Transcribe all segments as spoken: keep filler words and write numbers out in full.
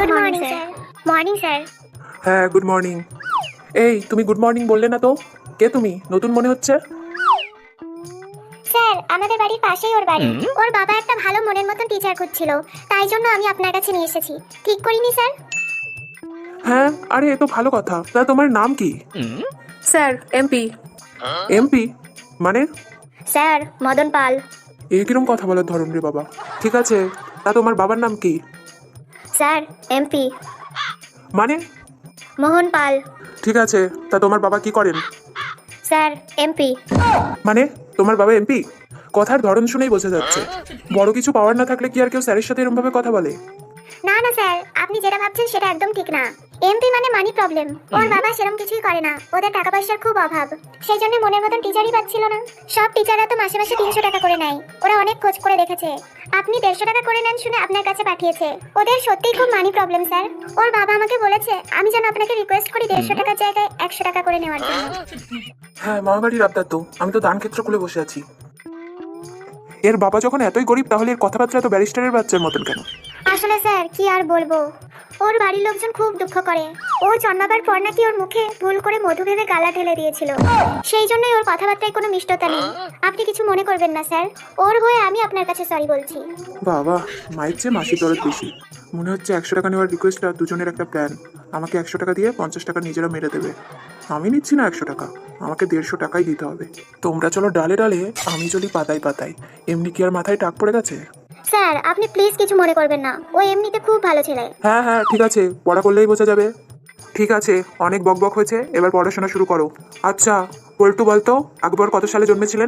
Good morning sir. Morning sir. হ্যাঁ good morning. এই তুমি গুড মর্নিং বললে না তো, কে তুমি? নতুন মনে হচ্ছে। স্যার আমাদের বাড়ির পাশেই ওর বাড়ি। ওর বাবা একটা ভালো মনের মতন টিচার খুঁজছিল, তাই জন্য আমি আপনার কাছে নিয়ে এসেছি। ঠিক করিনি স্যার? হ্যাঁ আরে এ তো ভালো কথা। তা তোমার নাম কি? Sir MP. এমপি মানে? স্যার মদন পাল। এ কিরম কথা বলার ধরন রে বাবা। ঠিক আছে, তা তোমার বাবার নাম কি? স্যার এমপি মানে? মোহন পাল। ঠিক আছে, তা তোমার বাবা কি করেন? Sir MP. মানে তোমার বাবা এমপি? কথার ধরন শুনেই বোঝা যাচ্ছে বড় কিছু পাওয়ার না থাকলে কি আর কেউ স্যারের সাথে এরকম ভাবে কথা বলে? না না স্যার, আপনি যেটা ভাবছেন সেটা একদম ঠিক না। এমপি মানে মানি প্রবলেম। ওর বাবা সেরকম কিছুই করে না, ওদের টাকা পয়সার খুব অভাব, সেই জন্য মনের মতন টিচারই পাচ্ছিল না। সব টিচাররা তো মাসে মাসে তিনশো টাকা করে নেয়, ওরা অনেক খোঁজ করে দেখেছে। আপনি দেড়শো টাকা করে নেন শুনে আপনার কাছে পাঠিয়েছে। ওদের সত্যিই খুব মানি প্রবলেম স্যার। ওর বাবা আমাকে বলেছে আমি যেন আপনাকে রিকোয়েস্ট করি দেড়শো টাকার জায়গায় একশো টাকা করে নেওয়ার জন্য। হ্যাঁ মামাবাড়ির আবদার তো, আমি তো দান ক্ষেত্র খুলে বসে আছি। এর বাবা যখন এতই গরিব তাহলে এর কথাবার্তা এত ব্যারিস্টারের বাচ্চার মতন কেন? আসলে স্যার কি আর বলবো, ওর বাড়ির লোকজন খুব দুঃখ করে। ও জন্মাবার পর নাকি ওর মুখে ভুল করে মধু ভেবে গালা ঢেলে দিয়েছিল, সেই জন্যই ওর কথাবার্তায় কোনো মিষ্টতা নেই। আপনি কিছু মনে করবেন না স্যার, ওর হয়ে আমি আপনার কাছে সরি বলছি। বাবা, মায়ের চেয়ে মাসির দরদ বেশি। মনে হচ্ছে একশো টাকা নেওয়ার রিকোয়েস্টটা দুজনের একটা প্ল্যান। আমাকে একশো টাকা দিয়ে পঞ্চাশ টাকা নিজেরা মেরে দেবে। আমি নিচ্ছি না একশো টাকা, আমাকে দেড়শো টাকাই দিতে হবে। তোমরা চলো ডালে ডালে, আমি চলি পাতায় পাতায়। এমনি কি আর মাথায় টাক পড়ে গেছে? স্যার আপনি প্লিজ কিছু মনে করবেন না, ও এমনিতে খুব ভালো ছেলে। হ্যাঁ হ্যাঁ ঠিক আছে, পড়া করলেই বোঝা যাবে। ঠিক আছে, অনেক বকবক হয়েছে, এবার পড়াশোনা শুরু করো। আচ্ছা পল্টু বলতো, আকবর কত সালে জন্মেছিলেন?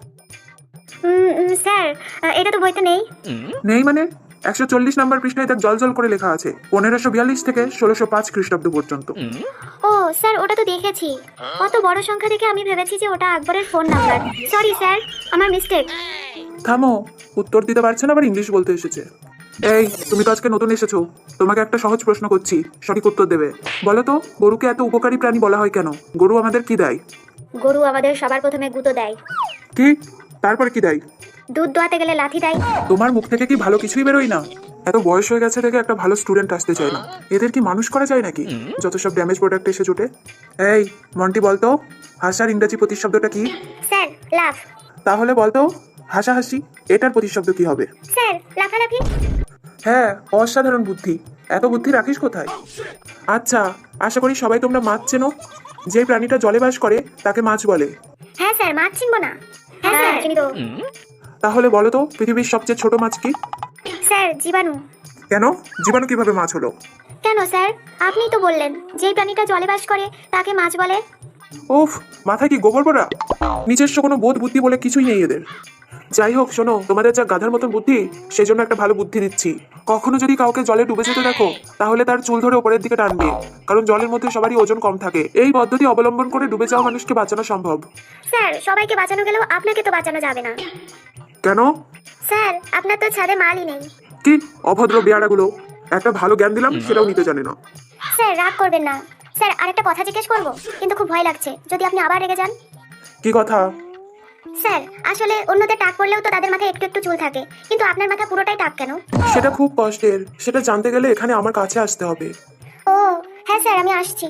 উম, উম, স্যার এটা তো বইতে নেই। নেই মানে? একশো চল্লিশ নম্বর পৃষ্ঠায় তার জল জল করে লেখা আছে পনেরোশো বিয়াল্লিশ থেকে ষোলোশো পাঁচ খ্রিস্টাব্দ পর্যন্ত। ও স্যার ওটা তো দেখেছি, অত বড় সংখ্যা দেখে আমি ভেবেছি যে ওটা আকবরের ফোন নাম্বার। সরি স্যার, আমার মিস্টেক। থামো, উত্তর দিতে পারছে না আবার ইংলিশ বলতে এসেছে। এই তুমি তো আজকে নতুন এসেছো, তোমাকে একটা সহজ প্রশ্ন করছি, সঠিক উত্তর দেবে। বলো তো, গরুকে এত উপকারী প্রাণী বলা হয় কেন? গরু আমাদের কি দেয়? গরু আমাদের সবার প্রথমে গুঁতো দেয়। কি? তারপরে কি দেয়? দুধ দোয়াতে গেলে লাথি দেয়। তোমার মুখ থেকে কি ভালো কিছুই বেরোয় না? এত বয়স হয়ে গেছে থেকে একটা ভালো স্টুডেন্ট আসতে চায় না, এদের কি মানুষ করা যায় নাকি? যত সব ড্যামেজ প্রোডাক্ট এসে জুটে। এই মন্টি বলতো, হাসার ইংরেজি প্রতিশব্দটা কি? স্যার লাফ। তাহলে বলতো, হাসাহাসি এটার প্রতিশব্দ কি হবে? স্যার লাফালাফি। হ্যাঁ, অসাধারণ বুদ্ধি। এত বুদ্ধি রাখিস কোথায়? আচ্ছা, আশা করি সবাই তোমরা মাছ চেনো। যে প্রাণীটা জলে বাস করে তাকে মাছ বলে। হ্যাঁ স্যার, মাছ চিনবো না? হ্যাঁ স্যার চিনি তো। তাহলে বলো তো, পৃথিবীর সবচেয়ে ছোট মাছ কি? স্যার জীবাণু। কেন? জীবাণু কিভাবে মাছ হলো? কেন স্যার, আপনিই তো বললেন যেই প্রাণীটা জলে বাস করে তাকে মাছ বলে। উফ, মাথায় কি গোবর পড়া? নিজস্ব কোনো বোধ বুদ্ধি বলে কিছুই নেই এদের। যাই হোক শোনো, তোমাদের যা গাধার মতন বুদ্ধি, সেই জন্য একটা ভালো বুদ্ধি দিচ্ছি। কখনো যদি কাউকে জলে ডুবে যেতে দেখো, তাহলে তার চুল ধরে উপরের দিকে টানবে, কারণ জলের মধ্যে সবারই ওজন কম থাকে। এই পদ্ধতি অবলম্বন করে ডুবে যাওয়া মানুষকে বাঁচানো সম্ভব। স্যার সবাইকে বাঁচানো গেলেও আপনাকে তো বাঁচানো যাবে না। কেন? স্যার আপনার তো ছাদে মালই নেই। কি অভদ্র বেয়ারাগুলো! একটা ভালো জ্ঞান দিলাম, সেটাও নিতে জানে না। স্যার রাগ করবেন না। স্যার আরেকটা কথা জিজ্ঞেস করবো, কিন্তু খুব ভয় লাগছে যদি আপনি আবার রেগে যান। কি কথা? স্যার আসলে অন্যদের টাক পড়লেও তো তাদের মাথায় একটু একটু চুল থাকে, কিন্তু আপনার মাথা পুরোটাই টাক কেন? সেটা খুব কষ্টের, সেটা জানতে গেলে এখানে আমার কাছে আসতে হবে। ও হ্যাঁ স্যার, আমি আসছি।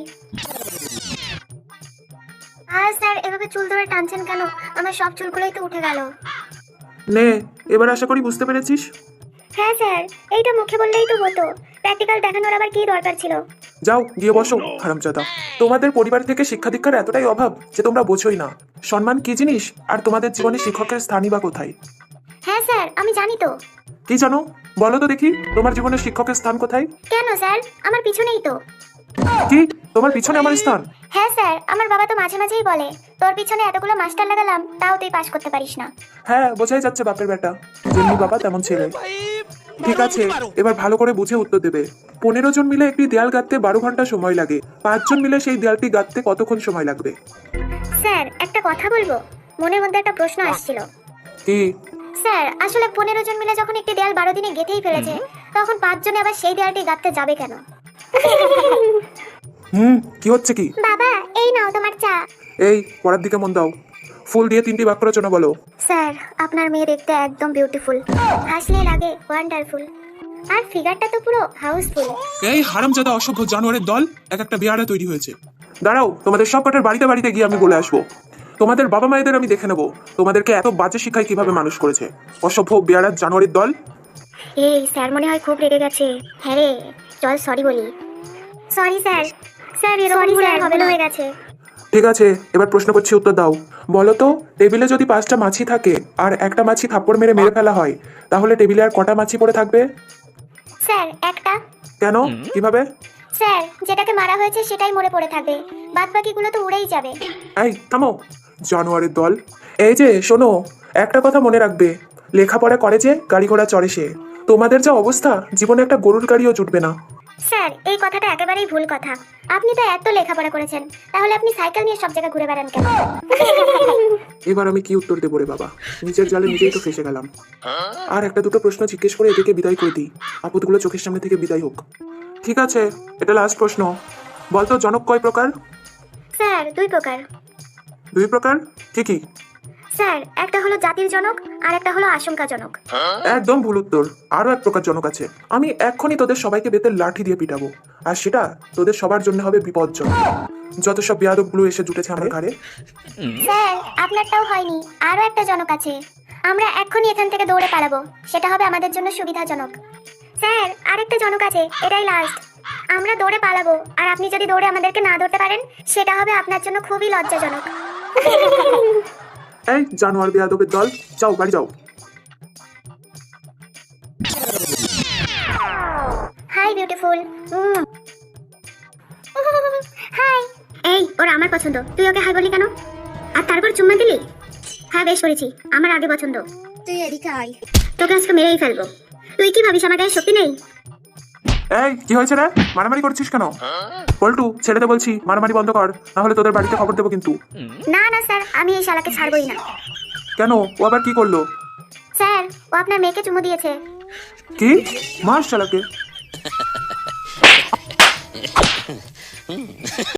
আর স্যার এভাবে চুল ধরে টানছেন কেন? আমার সব চুলগুলোই তো উঠে গেল। নে, এবার আশা করি বুঝতে পেরেছিস। হ্যাঁ স্যার, এইটা মুখে বললেই তো হতো, প্র্যাকটিক্যাল দেখানোর আবার কি দরকার ছিল? যাও গিয়ে বসো হারামজাদা। তোমাদের পরিবার থেকে শিক্ষা দীক্ষার এতটাই অভাব যে তোমরা বোঝোই না সম্মান কি জিনিস, আর তোমাদের জীবনে শিক্ষকের স্থানই বা কোথায়। হ্যাঁ স্যার আমি জানি তো। কি জানো? বলো তো দেখি, তোমার জীবনে শিক্ষকের স্থান কোথায়? কেন স্যার, আমার পিছনেই তো। কি? তোমার পিছনে আমার স্থান? হ্যাঁ স্যার, আমার বাবা তো মাঝে মাঝেই বলে তোর পিছনে এতগুলো মাস্টার লাগালাম তাও তুই পাস করতে পারিস না। হ্যাঁ বোঝাই যাচ্ছে বাপের বেটা, যেমনি বাবা তেমন ছেলে। ঠিক আছে, এবার ভালো করে বুঝে উত্তর দেবে। পনেরো জন মিলে একটি দেয়াল গাঁথতে বারো ঘন্টা সময় লাগে, পাঁচজন মিলে সেই দেয়ালটি গাঁথতে কতক্ষণ সময় লাগবে? স্যার একটা কথা বলবো, মনের মধ্যে একটা প্রশ্ন আসছিল। কি? স্যার আসলে পনেরো জন মিলে যখন একটি দেয়াল বারো দিনে গেঁথেই ফেলেছে, তখন পাঁচজনে আবার সেই দেয়ালটি গাঁথতে যাবে কেন? হুম কি হচ্ছে কি? বাবা এই নাও তোমার চা। এই পড়ার দিকে মন দাও। ফুল দিয়ে তিনটি বাক্য রচনা বলো। স্যার আপনার মেয়ে দেখতে একদম বিউটিফুল, হাসলে লাগে ওয়ান্ডারফুল। আর ফিগারটা তো পুরো হাউসফুল। এই হারামজাদা অসভ্য জানোয়ারের দল, এক একটা বেয়ারা তৈরি হয়েছে। দাঁড়াও, তোমাদের সব কটার বাড়িতে বাড়িতে গিয়ে আমি বলে আসবো। তোমাদের বাবা মায়েদের আমি দেখে নেবো তোমাদেরকে এত বাজে শিক্ষায় কিভাবে মানুষ করেছে। অসভ্য বেয়ারা জানোয়ারের দল। এই স্যার মনে হয় খুব রেগে গেছে। হ্যাঁ রে, চল সরি বলি। Sorry sir. স্যার এরকম ভুল আর হবে না, হয়ে গেছে। ঠিক আছে, এবার প্রশ্ন করছি, উত্তর দাও। বলো তো, টেবিলে যদি পাঁচটা মাছি থাকে আর একটা মাছি থাপ্পড় মেরে মেরে ফেলা হয়, তাহলে টেবিলে আর কটা মাছি পড়ে থাকবে? স্যার একটা। কেন, কিভাবে? স্যার যেটাকে মারা হয়েছে সেটাই মরে পড়ে থাকবে, বাদ বাকিগুলো তো উড়েই যাবে। এই থামো, জানোয়ারের দল। এই যে শোনো, একটা কথা মনে রাখবে, লেখাপড়া করে যে গাড়ি ঘোড়া চড়ে সে। তোমাদের যা অবস্থা, জীবনে একটা গরুর গাড়িও জুটবে না। স্যার এই কথাটা একেবারেই ভুল কথা। আপনি তো এত লেখাপড়া করেছেন, তাহলে আপনি সাইকেল নিয়ে সব জায়গায় ঘুরে বেড়ান কেন? এবার আমি কি উত্তর দেবো রে বাবা, নিজের জালে নিজেই তো ফেসে গেলাম। আর একটা দুটো প্রশ্ন জিজ্ঞেস করে এদেরকে বিদায় করে দিই, আপদগুলো চোখের সামনে থেকে বিদায় হোক। ঠিক আছে, এটা লাস্ট প্রশ্ন। বলতো জনক কয় প্রকার? স্যার দুই প্রকার। দুই প্রকার? কি কি? স্যার একটা হলো জাতির জনক আর একটা হলো আশঙ্কাজনক। একদম ভুল উত্তর। আরো এক প্রকার জনক আছে, আমি এক্ষুনি তোদের সবাইকে বেতের লাঠি দিয়ে পিটাবো, আর সেটা তোদের সবার জন্য হবে বিপজ্জনক। যত সব বেয়াদবগুলো এসে জুটেছে আমার ঘাড়ে। স্যার আপনারটাও হয়নি, আরো একটা জনক আছে। আমরা এক্ষুনি এখান থেকে দৌড়ে পালাবো, সেটা হবে আমাদের জন্য সুবিধাজনক। স্যার আরেকটা জনক আছে, এটাই লাস্ট। আমরা দৌড়ে পালাবো, আর আপনি যদি দৌড়ে আমাদেরকে না ধরতে পারেন, সেটা হবে আপনার জন্য খুবই লজ্জাজনক। এই জানোয়ার বেয়াদবের দল, যাও বাড়ি যাও। Hi beautiful. হাই। এই ওর আমার পছন্দ, তুই ওকে হাই বলি কেন? আর তারপর চুম্মা দিলি? হ্যাঁ বেশ করেছি, আমার আগে পছন্দ। তুই এদিকে আয়, তোকে আজকে মেরেই ফেলবো। তুই কি ভাবিস আমার গায়ে শক্তি নেই? এই কি হয়েছে রে, মারামারি করছিস কেন? পল্টু, ছেড়ে দে বলছি, মারামারি বন্ধ কর, না হলে তোদের বাড়িতে খবর দেবো কিন্তু। না না স্যার, আমি এই শালাকে ছাড়বই না। কেন, ও আবার কি করলো? স্যার ও আপনার মেয়েকে চুমু দিয়েছে। কি? মাস চালাকে।